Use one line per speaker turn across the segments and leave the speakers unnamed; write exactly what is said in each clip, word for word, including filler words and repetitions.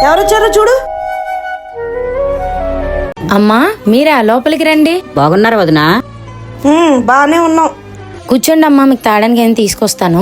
ఎవరొచ్చారో చూడు.
అమ్మా మీరా, లోపలికి రండి.
బాగున్నారు వదినా?
ఉమ్, బానే ఉన్నాం.
కూర్చోండి అమ్మా, మీకు తాడానికి ఏం తీసుకొస్తాను.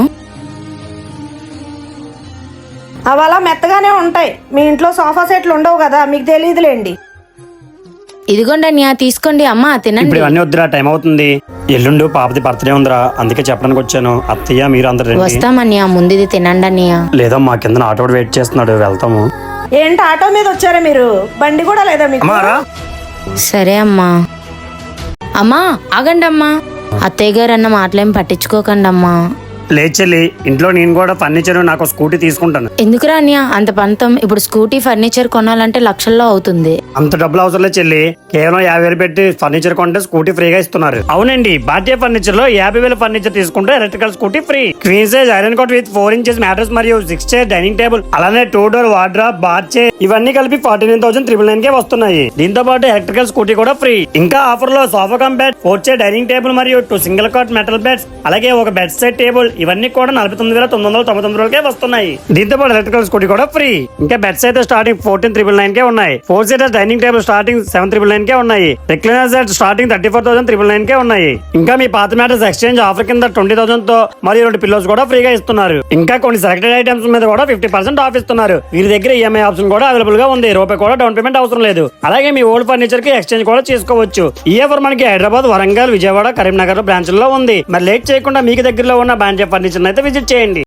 అవి అలా మెత్తగానే ఉంటాయి. మీ ఇంట్లో సోఫా సెట్లు ఉండవు కదా, మీకు తెలియదులేండి.
ఇదిగోండి అన్నయ్య, తీసుకోండి. అమ్మా తినండి.
ఇప్పుడు ఇవన్నీ వద్దురా, టైం అవుతుంది. ఎల్లుండు పాపది బర్త్డే ఉందిరా, అందుకే చెప్పడానికి వచ్చాను. అత్తయ్య మీరు అందరు రండి.
వస్తామన్నయ్య, ముందు ఇది తినండి అన్నయ్య.
లేదా మా కింద ఆటో వెయిట్ చేస్తున్నాడు, వెళ్తాము.
ఏంటి ఆటో మీద వచ్చారా మీరు? బండి కూడా లేదా మీకు?
అమ్మారా
సరే అమ్మా. అమ్మా ఆగండి అమ్మా, అత్తయ్య గారు అన్న మాటలేం పట్టించుకోకండి అమ్మా.
లేదు చెల్లి, ఇంట్లో నేను కూడా ఫర్నిచర్ నాకు స్కూటీ తీసుకుంటాను.
ఎందుకురా అన్నయ్య అంత పంతం? ఇప్పుడు స్కూటీ ఫర్నిచర్ కొనాలంటే లక్షల్లో అవుతుంది.
అంత డబ్బులు అవసరం లేదు చెల్లి, కేవలం యాభై వేలు పెట్టి ఫర్నిచర్ కొంటే స్కూటీ ఫ్రీగా ఇస్తున్నారు. అవునండి, భారతీయ ఫర్నిచర్ లో యాభై వేల ఫర్నిచర్ తీసుకుంటే electrical scooty free. Queen size iron cot with four inches mattress మరియు సిక్స్ చైర్ డైనింగ్ టేబుల్, అలానే two door wardrobe, bath chair ఇవన్నీ కలిపి forty nine thousand triple nine K వస్తున్నాయి. దీంతో పాటు ఎలక్ట్రికల్ స్కూటీ కూడా ఫ్రీ. ఇంకా ఆఫర్ లో sofa cum bed, four chair dining table మరియు two single cot metal beds, అలాగే ఒక బెడ్ సెట్ టేబుల్ ఇవన్నీ కూడా నలభై తొమ్మిది వేల తొమ్మిది వందల తొంభై తొమ్మిది రూపాయలకే వస్తున్నాయి. దీంతో పాటు ఎలక్ట్రికల్ స్కూటీ కూడా ఫ్రీ. ఇంకా బెడ్స్ అయితే starting fourteen triple nine K ఉన్నాయి. Four seaters dining table starting seven triple nine K ఉన్నాయి. Recliner set starting thirty four thousand triple nine K ఉన్నాయి. ఇంకా మీ పాత మ్యాటర్స్ ఎక్స్చేంజ్ ఆఫర్ కింద ట్వంటీ థౌసండ్ తో మరియు రెండు పిల్లోస్ కూడా ఫ్రీగా ఇస్తున్నారు. ఇంకా కొన్ని సెలెక్టెడ్ ఐటమ్స్ మీద కూడా ఫిఫ్టీ పర్సెంట్ ఆఫ్ ఇస్తున్నారు. వీరి దగ్గర ఈఎంఐ ఆప్షన్ కూడా అవైలబుల్ గా ఉంది. రూపాయి కూడా డౌన్ పేమెంట్ అవసరం లేదు. అలాగే మీ ఓల్డ్ ఫర్నిచర్ కి ఎక్స్చేంజ్ కూడా చేసుకోవచ్చు. ఈ ఆఫర్ మనకి హైదరాబాద్, వరంగల్, విజయవాడ, కరీంనగర్ బ్రాంచ్ లో ఉంది. మరి లేట్ చేయకుండా మీకు దగ్గరలో ఉన్న బ్రాంచ్ ఫర్నిచర్ అయితే విజిట్ చేయండి.